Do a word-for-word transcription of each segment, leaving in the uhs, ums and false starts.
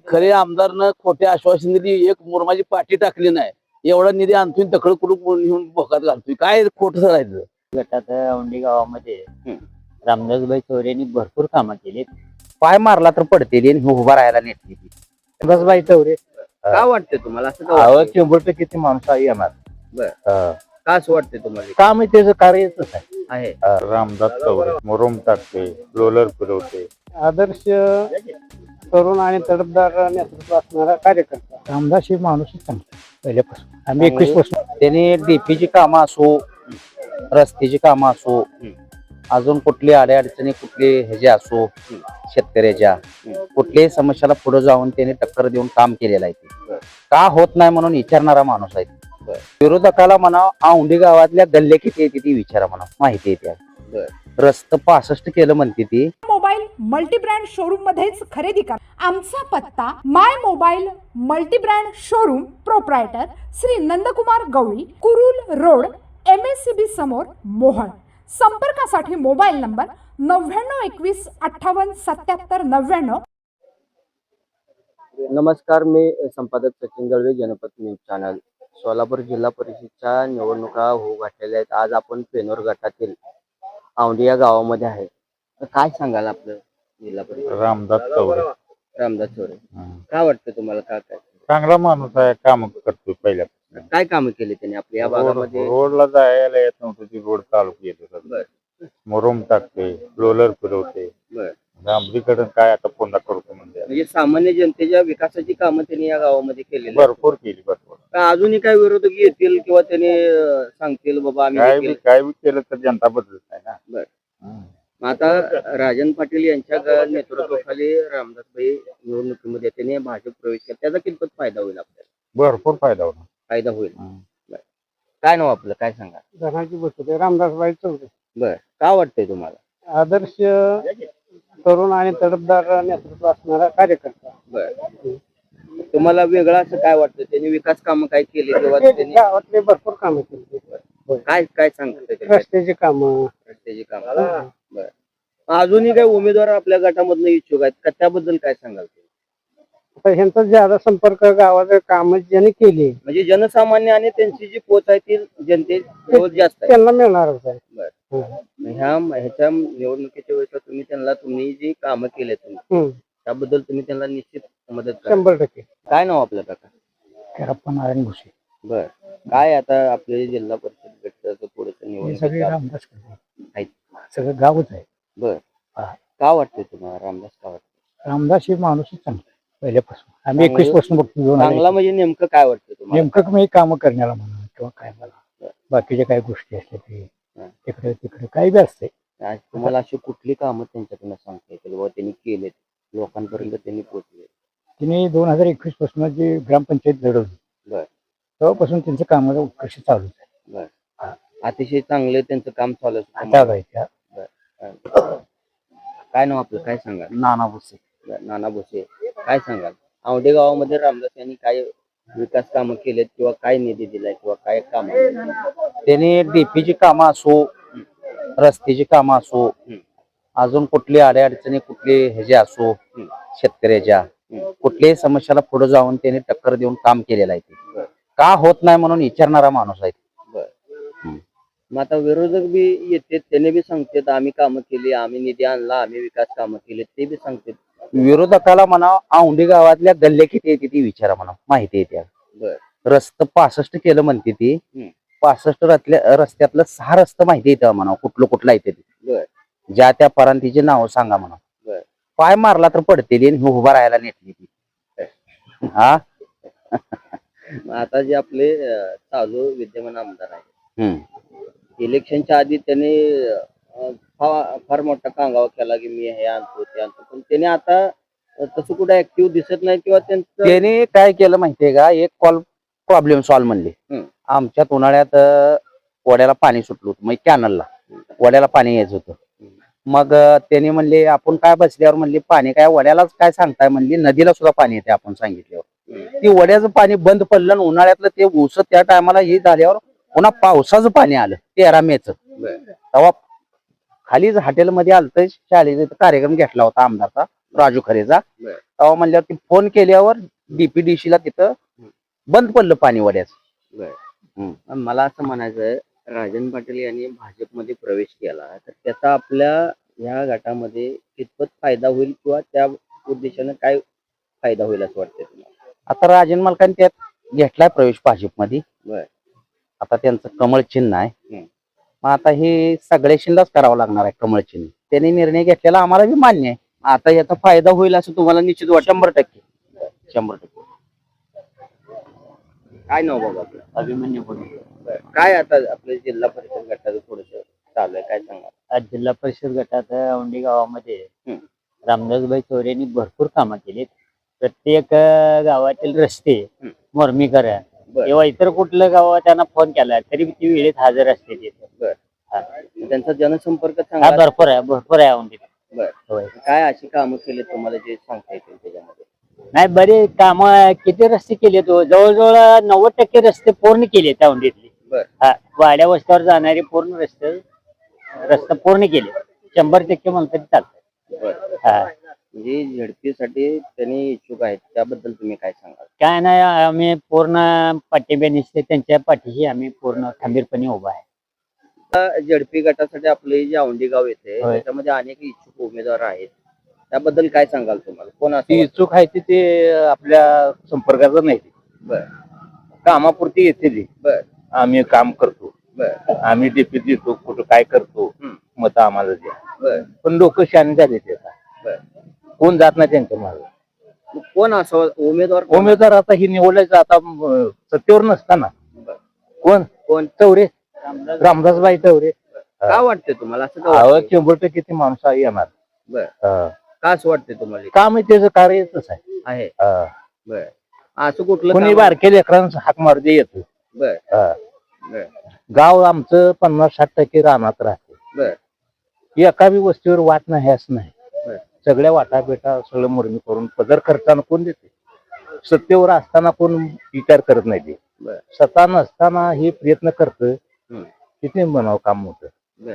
खरे आमदारनं खोटे आश्वासन दिली, एक मुरमाची पाठी टाकली नाही, एवढा निधी आणतोय तकड कुठून घेऊन भोकात घालतोय, काय खोटं करायचं. गटात औंढी गावामध्ये रामदासबाई चौरेंनी भरपूर कामं केली. पाय मारला तर पडते उभा राहायला नेटली. रामदासबाई चौरे काय वाटतंय तुम्हाला असं? अहो शंभर टक्के ती माणूस आहे येणार. बर, का असं वाटतंय तुम्हाला? काम त्याचं कार्यच आहे. आहे रामदास चौरे मुरुम टाकते, रोलर फिरवते, आदर्श तरुण आणि तडफदार नेतृत्व असणारा कार्यकर्ता. रामदास हे माणूसच चांगला पहिल्यापासून. आम्ही एकवीस पासून त्याने डीपीची कामं असो, रस्त्याची कामं असो, अजून कुठली अडचणी कुठली ह्याचे असो, शेतकऱ्याच्या कुठल्याही समस्याला पुढे जाऊन त्याने टक्कर देऊन काम केलेलं आहे. का होत नाही म्हणून विचारणारा माणूस आहे. विरोधकाला म्हणा औंढी गावातल्या गल्ले किती येते ती विचारा म्हणा, माहिती येते. रस्त पासष्ट केलं म्हणते ती. मोबाईल मल्टी ब्रँड शोरूम मध्येच खरेदी करा. आमचा पत्ता my mobile multi brand showroom, proprietor Shri Nandkumar Gawali, Kurul road, M S C B समोर, मोहन. संपर्कासाठी मोबाईल नंबर नव्याण्णव एकवीस अठ्ठावन्न सत्याहत्तर नव्याण्णव. नमस्कार, मी संपादक सचिन दळवे, जनपद न्यूज चॅनल. सोलापूर जिल्हा परिषदच्या निवडणुका होऊ घातलेल्या आहेत. आज आपण पेनोर गटातील औंढी या गावामध्ये आहे. तर काय सांगाल आपलं जिल्हा परिषद? रामदास चौरे रामदास चौरे, काय वाटतं तुम्हाला? काय काय चांगला माणूस आहे, काम करतोय. पहिल्या काय कामं केली त्यांनी आपल्या या भागामध्ये? रोडला जायला येत नव्हतं, ती रोड चालू केली. बर मुरुम टाकते, रोलर फिरवते. बर, डांबरीकडे काय आता पुन्हा करतो म्हणजे म्हणजे सामान्य जनतेच्या विकासाची कामं त्यांनी या गावामध्ये केलेली आहेत. भरपूर केली. भरपूर का अजूनही काही विरोधक येतील किंवा त्यांनी अं, सांगतील बाबा आम्ही हे काय बी केलं? काय बी केलं तर जनता बदलत नाही ना. बर, हम्म. मग आता राजन पाटील यांच्या ग- नेतृत्वाखाली रामदासभाई निवडणुकीमध्ये त्यांनी भाजप प्रवेश केला, त्याचा कितपत फायदा होईल आपल्याला? भरपूर फायदा होणार. फायदा होईल. हम्म. काय नाव आपलं, काय सांगा? धनाजी बसवते, रामदासबाई चौरे. बर, का वाटतंय तुम्हाला? आदर्श तरुण आणि तडफदार नेतृत्व असणारा कार्यकर्ता. बर, तुम्हाला वेगळं असं काय वाटतं? त्यांनी विकास कामं काय केली किंवा त्यांनी गावातले भरपूर कामं केली. काय काय सांगतात रस्त्याची कामं, रस्त्याची कामं? बर, अजूनही काही उमेदवार आपल्या गटामधून इच्छुक आहेत का, त्याबद्दल काय सांगाल? आता ह्यांचा ज्यादा संपर्क गावाचं काम ज्यांनी केली म्हणजे जनसामान्य आणि त्यांची जी पोच आहे ती जनतेजवळ जास्त आहे. त्यांना मिळणारच आहे. बर, हम्म. ह्या ह्याच्या निवडणुकीच्या वेळेस तुम्ही त्यांना तुम्ही जी कामं केले तुम्ही हम्म. त्याबद्दल तुम्ही त्यांना निश्चित मदत करा. शंभर टक्के. काय नाव आपलं काका? करप्पा नारायण भुसे. बर, काय आता आपले जिल्हा परिषद गटाचं पुढचं सगळे निवडणूक रामदास आहेत. सगळं गावच आहे. बर, हा. का वाटतंय तुम्हाला रामदास? का वाटतं रामदास हे माणूसच चांगला पहिल्यापासून. आम्ही चांगलं- एकवीस पासून बघतो. दोन हजार चांगला म्हणजे नेमकं काय वाटतं तुम्हाला? नेमकं मी काम करण्याला म्हणा किंवा काय मला बाकीच्या काही गोष्टी असल्या ते हा. तिकडे तिकडे काही बी असते. आज तुम्हाला अशी कुठली कामं त्यांच्याकडनं सांगता येतील बाबा त्यांनी केलेत, लोकांपर्यंत त्यांनी पोहोचले? तिने दोन हजार एकवीस पासून जी ग्रामपंचायत लढवली बर, तेव्हापासून त्यांचं कामाचं उत्कर्ष चालूच आहे. बर, हा. अतिशय चांगलं त्यांचं काम चालू आहे. आता आहे त्या काय नाव आपलं, काय सांगा? नाना भुसे. नाना भुसे, काय सांगाल? औंढे गावामध्ये रामदास यांनी काय विकास कामं केलेत किंवा काय निधी दिलाय किंवा काय काम? त्याने डीपीची कामं असो, रस्त्याची कामं असो, अजून कुठली अडचणी कुठली ह्याचे असो, शेतकऱ्याच्या कुठल्याही समस्याला पुढे जाऊन त्याने टक्कर देऊन काम केलेलं आहे. का होत नाही म्हणून विचारणारा माणूस आहे. मग आता विरोधक बी येते, त्याने बी सांगतात आम्ही कामं केली, आम्ही निधी आणला, आम्ही विकास कामं केले, ते बी सांगतात. विरोधकाला म्हणा औंढी गावातल्या गल्ले किती येते ती विचारा म्हणा, माहिती येते. रस्त पासष्ट केलं म्हणते ती. पासष्ट रस्त्या रस्त्यातलं सहा रस्ते माहिती येतं म्हणा, कुठलं कुठलं येते ते, ज्या त्या परांतीचे नाव सांगा म्हणा. पाय मारला तर पडते उभा राहायला नेटली ती. हा. आता जे आपले साजू विद्यमान आमदार आहे, इलेक्शनच्या आधी त्याने अं, फा- फार मोठा कांगावा केला की मी हे आणतो ते आणतो, पण त्याने आता तसं कुठे ऍक्टिव्ह दिसत नाही किंवा त्यांचं. त्याने काय केलं माहितीये का, एक कॉल प्रॉब्लेम सॉल्व्ह म्हणले. आमच्यात उन्हाळ्यात अं, वड्याला पाणी सुटलं होतं, मग कॅनलला वड्याला पाणी यायचं होतं. मग अं, त्यांनी म्हणले आपण काय बसल्यावर म्हणले पाणी काय वड्यालाच काय सांगताय म्हणली, नदीला सुद्धा पाणी येते आपण सांगितल्यावर. ती वड्याचं पाणी बंद पडलं आणि उन्हाळ्यातलं ते ऊस त्या टायमाला हे झाल्यावर पुन्हा पावसाचं पाणी आलं तेरा मेच. तेव्हा खालीच हॉटेलमध्ये आलत, शाळेचा कार्यक्रम घेतला होता आमदारचा, राजू खरेचा. बर. तेव्हा म्हणल्यावर फोन केल्यावर डीपीडीसी ला तिथं बंद पडलं पाणी वड्याचं. हम्म. मला असं म्हणायचं आहे, राजन पाटील यांनी भाजपमध्ये प्रवेश केला तर त्याचा आपल्या ह्या गटामध्ये कितपत फायदा होईल किंवा त्या उद्देशाने काय फायदा होईल असं वाटतंय तुम्हाला? आता राजन मालकांनी त्यात घेतलाय प्रवेश भाजपमध्ये. बर. आता त्यांचं कमळ चिन्ह आहे. हम्म. मग आता हे सगळ्याशीलाच करावं लागणार आहे कमळ चिन्ह. त्यांनी निर्णय घेतलेला आम्हाला बी मान्य आहे. आता याचा फायदा होईल असं तुम्हाला निश्चित वाटतं? शंभर टक्के शंभर टक्के. काय नाव बाबा आपलं? अभिमन्यू बरं. काय आता आपल्या जिल्हा परिषद गटाचं थोडस चालू आहे, काय सांगा? आज जिल्हा परिषद गटात औंढी गावामध्ये हम्म. रामदासभाई चौरेंनी भरपूर कामं केलीत. प्रत्येक अं, गावातील रस्ते हम्म. मुरमीकरण बरं. किंवा इतर कुठलं गाव त्यांना फोन केला तरी ती वेळेत हजर असते तिथे. बर. हा. त्यांचा जनसंपर्क हा चांगला. भरपूर आहे भरपूर आहे औंढीत. बर. होय. काय अशी कामं केली तुम्हाला जे सांगता येतील त्याच्यामध्ये? नाही बरे काम किती रस्ते केले तो जवळजवळ नव्वद टक्के रस्ते पूर्ण केले त्या औंढीतले. बर. हा वाड्या वस्त्यावर जाणारे पूर्ण रस्ते रस्ते पूर्ण केले. शंभर टक्के म्हणतात चालतं. बर. हा. म्हणजे झडपीसाठी त्यांनी इच्छुक आहेत, त्याबद्दल तुम्ही काय सांगाल? काय नाही आम्ही पूर्ण पाठिंबा निसते त्यांच्या पाठीशी आम्ही पूर्ण खंबीरपणे उभा आहे. झडपी गटासाठी आपले जे औंढी गाव येते होय. त्याच्यामध्ये अनेक इच्छुक उमेदवार आहेत, त्याबद्दल काय सांगाल तुम्हाला? कोण ती असं? इच्छुक आहे ती ते आपल्या संपर्काचं नाही. बर. कामापुरती येते ती. बर. आम्ही काम करतो. बर. आम्ही डीपी देतो कुठं काय करतो हम्म. मत आम्हाला द्या. बर. पण लोक शाने झाले ते आता. बर. कोण जात नाही त्यांच्या मागे. मग कोण असं उमेदवार? कोण? उमेदवार आता ही निवडायचं आता अं, सत्तेवर नसताना बर. कोण कोण? चौरे रामदासबाई चौरे. का वाटते तुम्हाला असं? का अहो, वाटतंय? शंभर टक्के ते माणूस आहे येणार. बर. हा. का असं वाटते तुम्हाला? काम आहे त्याचं कार्यच आहे. आहे. हा. बर. असं कुठलं कोणी काम? बारके लेकरांचं हाक मारते येतो. बर. हा. बर. गाव आमचं पन्नास साठ टक्के रानात राहते. बर. एका बी वस्तीवर वाट नाही असं नाही. बर. सगळ्या वाटा पेटा सगळं मुरमी करून पदर करताना कोण देते? सत्तेवर असताना कोण विचार करत नाही ते. बर. सत्ता नसताना हे प्रयत्न करत हम्म. किती म्हणावं काम होतं. बर.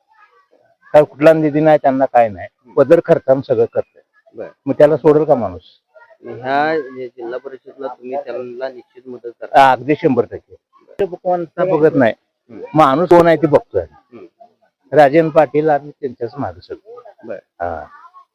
काय कुठला निधी नाही त्यांना काय नाही पदर करताना सगळं करत. बर. मग त्याला सोडेल का माणूस? ह्या जे जिल्हा परिषदला तुम्ही त्यांना निश्चित मदत करा. हा, अगदी शंभर टक्के. कोणता बघत नाही माणूस कोण आहे ते बघतोय. हम्म. राजन पाटील आणि त्यांच्याच मागे सगळं. बर. हा.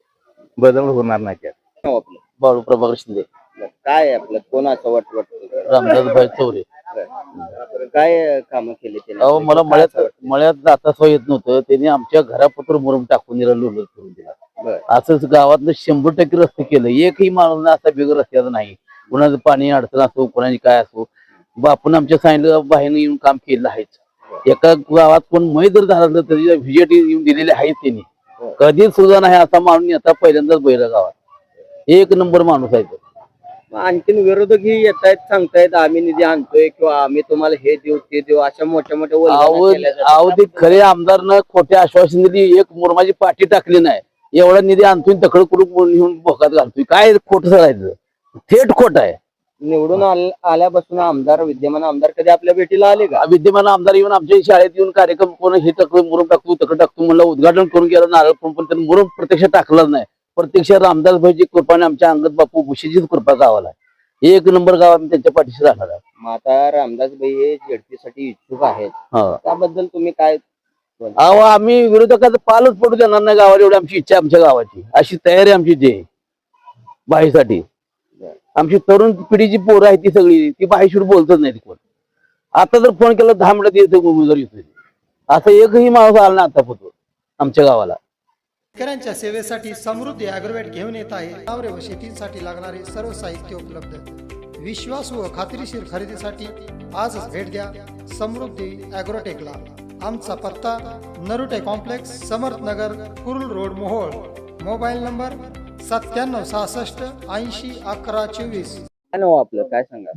बदल होणार नाही त्यात. नाव आपलं? बाळू प्रभाकर शिंदे. बर. काय आहे आपलं? कोण असं वाटत वाटतं? रामदासभाई चौरे. बर. काय कामं केली त्यांनी? अहो मला काय मळ्यात असं वाटतं? मळ्यात जाता सोय येत नव्हतं. त्यांनी आमच्या घरापत्र मुरुम टाकून दिला लोलर करून दिला. बर. असंच गावातलं शंभर टक्के रस्ते केलं. एकही माणूस ना असा बिगर रस्त्याचा नाही. कुणाचं पाणी अडचण असो कोणाची काय असो बापून आमच्या सांगितलं बाहेरनं येऊन काम केलं आहेच. एका गावात कोण मै जर झालं तरी व्हिजिट येऊन दिलेले आहेत त्यांनी. कधीच सुद्धा नाही असा माणूस आता पहिल्यांदाच बैल गावात. एक नंबर माणूस आहे तो. मग आणखीन विरोधकही येत आहेत, सांगतायत आम्ही निधी आणतोय किंवा आम्ही तुम्हाला हे देऊ ते देऊ, अशा मोठ्या मोठ्या वल्गना केल्या जातात. अहो ते खरे आमदारनं खोटे आश्वासन दिली. एक मुरमाची पाठी टाकली नाही. एवढा निधी आणतोय तकड कुडून घेऊन भोकात घालतोय. काय खोट सरायचं? थेट खोट आहे. निवडून आल- आल्यापासून आमदार विद्यमान आमदार कधी आपल्या भेटीला आले का? विद्यमान आमदार येऊन आमच्या शाळेत येऊन कार्यक्रम कोण हे तकड मुरुम टाकतो तकड टाकतो म्हणलं उद्घाटन करून गेलं नारळ पण पण त्यांनी मुरुम प्रत्यक्ष टाकलंच नाही. प्रत्यक्ष रामदासभाईची कृपाने आमच्या अंगत बापू भुशीचीच कृपा गावाला आहे. एक नंबर गाव आम्ही त्यांच्या पाठीशी राहणार आहे. मग आता रामदासभाई हे झेडपीसाठी इच्छुक आहेत, हा. त्याबद्दल तुम्ही काय? अहो आम्ही विरोधकाचं पालच पडू देणार नाही गावाला. एवढी आमची इच्छा आमच्या गावाची अशी तयारी आमची जे बाईसाठी. आमची तरुण पिढीची पोरं आहे ती सगळी ती बाईशिवर बोलतच नाही कोण. आता जर फोन केला दहा मिनिटात येतो उमेदवार येतोय. असं एकही माणूस आला नाही आतापर्यंत आमच्या गावाला. शेतकऱ्यांच्या सेवेसाठी समृद्धी ॲग्रोवेट घेऊन येत आहे. जनावरे व शेतीसाठी लागणारे सर्व साहित्य उपलब्ध. विश्वास व खात्रीशीर खरेदीसाठी आजच भेट द्या समृद्धी ॲग्रोटेकला. आमचा पत्ता Narute complex, Samarthnagar, Kurul road, Mohol. Mobile number सत्त्याण्णव सहासष्ट ऐंशी अकरा चोवीस. काय नाव आपलं? काय सांगा?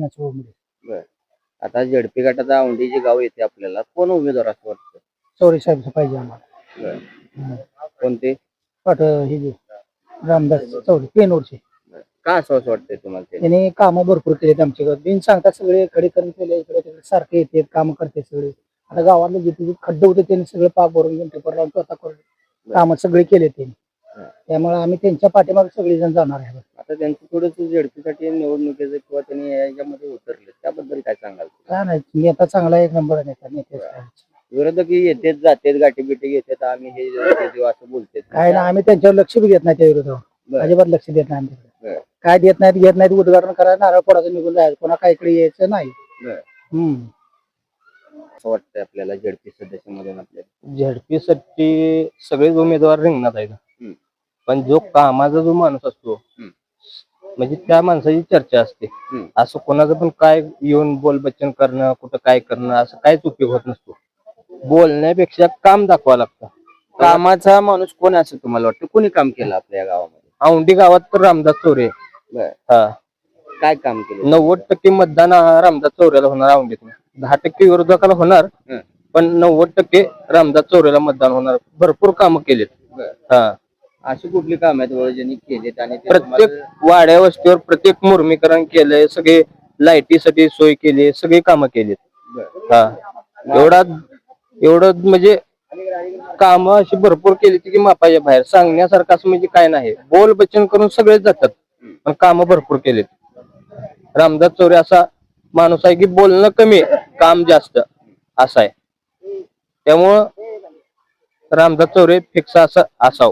बर. आता झेडपी गटाचा औंढी जे गाव येते आपल्याला कोण उमेदवार असं वाटतं? चौरे साहेब पाहिजे आम्हाला. बर. कोणते? पट हे जे रामदास चौरे पेनोरचे. बर. का असं असं वाटतंय तुम्हाला ते? त्याने कामं भरपूर केलेत आमच्या गावात. बिन सांगता सगळे खडीकरण केले. इकडे तिकडे सारखे येते काम करते सगळे. आता गावातले जिथे खड्डे होते त्यांनी सगळे पाक भरून घेऊन पेपर लावून स्वतः करून कामं सगळे केले त्यांनी. त्यामुळे आम्ही त्यांच्या पाठीमागे सगळेजण जाणार आहे. आता त्यांचं थोडस झेडपीसाठी निवडणुकीचं किंवा त्यांनी याच्यामध्ये उतरले त्याबद्दल काय सांगाल? काय नाही, नेता चांगला एक नंबर नेता नेते विरोधक येतेच जातेच गाठी बिठी घेतात आम्ही हे ते देऊ असं बोलते. काय ना, आम्ही त्यांच्यावर लक्ष बी देत नाही. त्या विरोधावर अजिबात लक्ष देत नाही. आमच्याकडे काय देत नाहीत घेत नाहीत. उद्घाटन करायला नारळ फोडायचं निघून जायचं, कोणा काय इकडे यायचं नाही. हम्म असं वाटतंय आपल्याला झेडपी सदस्यामधून आपल्याला झेडपीसाठी सगळेच उमेदवार रिंगणात आहेत, पण जो कामाचा जो माणूस असतो म्हणजे त्या माणसाची चर्चा असते. असं कोणाचं पण काय येऊन बोलबच्चन करणं, कुठं काय करणं असं काहीच उपयोग होत नसतो. बोलण्यापेक्षा काम दाखवा लागतं. कामाचा माणूस कोण असं तुम्हाला वाटतं? कोणी काम केलं आपल्या या गावामध्ये? औंढी गावात तर रामदास चौरे. हा, काय काम केलं? नव्वद टक्के मतदान रामदास चौरेला होणार औंढीत. दहा टक्के विरोधकाला होणार, पण नव्वद टक्के रामदास चौरेला मतदान होणार. भरपूर कामं केलेत. हा, अशी कुठली काम आहेत बाबा ज्यांनी केलेत आणि ते प्रत्येक वाड्या वस्तीवर प्रत्येक मुर्मीकरण केलंय, सगळे लाईटीसाठी सोय केली, सगळी कामं केलीत. हा, एवढा एवढं म्हणजे काम अशी भरपूर केली की मापाच्या बाहेर. सांगण्यासारखं असं म्हणजे काय नाही. बोल बच्चन करून सगळेच जातात, पण कामं भरपूर केलीत. रामदास चौरे असा माणूस आहे की बोलणं कमी काम जास्त असं आहे. त्यामुळं रामदास चौरे फिक्स असं असावं.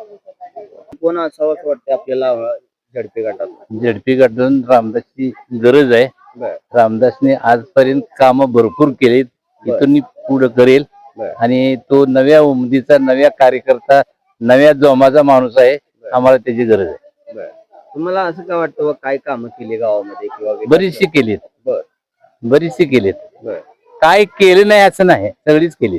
कोण असावं असं वाटतं आपल्याला झेडपी गटात? झेडपी गटातून रामदासची गरज आहे. रामदासने आजपर्यंत कामं भरपूर केलीत, इथून पुढे करेल. आणि तो नव्या उमदीचा, नव्या कार्यकर्ता, नव्या जोमाचा माणूस आहे. आम्हाला त्याची गरज आहे. तुम्हाला असं काय वाटतं काय कामं केली गावामध्ये किंवा बरीचशी केलीत. बर बरीचशी केलीत. बर काय केलं नाही असं नाही, सगळीच केलीत.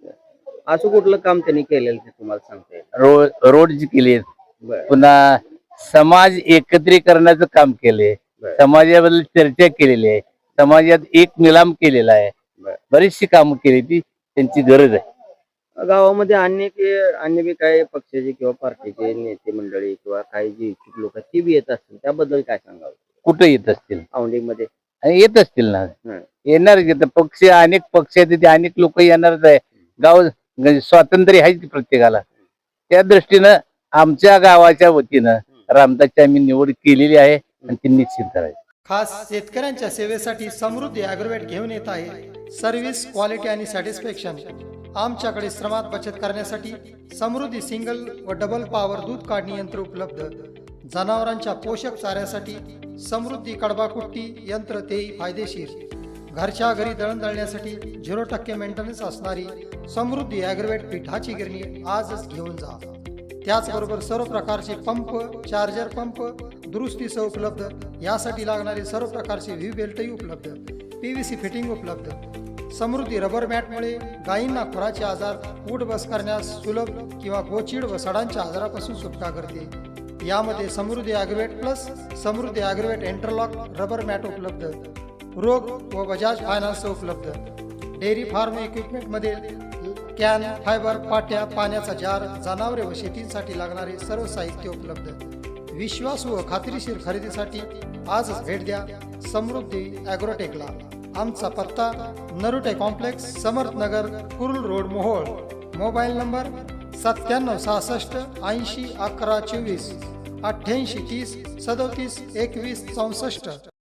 असं कुठलं काम त्यांनी केलेलं ते तुम्हाला सांगते? रोड रोडची केलीत. पुन्हा समाज एकत्रीकरणाचं काम केले. समाजाबद्दल चर्चा केलेली आहे. समाजात एक निलाम केलेला आहे. बरीचशी कामं केली, ती त्यांची गरज आहे. गावामध्ये अनेक अन्य बी काही पक्षाचे किंवा पार्टीचे नेते मंडळी किंवा काही जे इच्छुक लोक ती बी येत असतील, त्याबद्दल काय सांगावं? कुठं येत असतील? औंढीमध्ये आणि येत असतील ना, येणार. पक्ष अनेक पक्ष आहेत, तिथे अनेक लोक येणारच आहे. गाव स्वातंत्र्य आहे की प्रत्येकाला. त्या दृष्टीनं आमच्या गावाच्या वतीनं रामदासची आम्ही निवड केलेली आहे आणि ती निश्चित करायची. खास शेतकऱ्यांच्या सेवेसाठी समृद्धी ॲग्रोवेट घेऊन येत आहे सर्व्हिस, क्वालिटी आणि सॅटिस्फॅक्शन. आमच्याकडे श्रमात बचत करण्यासाठी समृद्धी सिंगल व डबल पॉवर दूध काढणी यंत्र उपलब्ध. जनावरांच्या पोषक चाऱ्यासाठी समृद्धी कडबा कुट्टी यंत्र, तेही फायदेशीर. घरच्या घरी दळण दळण्यासाठी झिरो टक्के मेंटेनन्स असणारी समृद्धी ॲग्रोवेट पिठाची गिरणी आजच घेऊन जा. त्याचबरोबर सर्व प्रकारचे पंप, चार्जर पंप दुरुस्तीसह उपलब्ध. यासाठी लागणारे सर्व प्रकारचे व्ही बेल्टही उपलब्ध. पी व्ही सी फिटिंग उपलब्ध. समृद्धी रबर मॅटमुळे गायींना खुराचे आजार, उठ बस करण्यास सुलभ किंवा गोचीड व सडांच्या आजारापासून सुटका करते. यामध्ये Samruddhi agrovet plus Samruddhi agrovet interlock rubber mat उपलब्ध. रोग व बजाज फायनान्स उपलब्ध. डेअरी फार्म इक्विपमेंटमध्ये कॅन, फायबर, पाट्या, पाण्याचा जार, जनावरे व शेतीसाठी लागणारे सर्व साहित्य उपलब्ध. विश्वासू व खात्रीशीर खरेदीसाठी आजच भेट द्या समृद्धी ॲग्रोटेकला. आमचा पत्ता Narute complex, Samarthnagar, Kurul road, Mohol. Mobile number सत्त्याण्णव सहासष्ट ऐंशी अकरा चोवीस, अठ्ठ्याऐंशी तीस सदोतीस एकवीस चौसष्ट.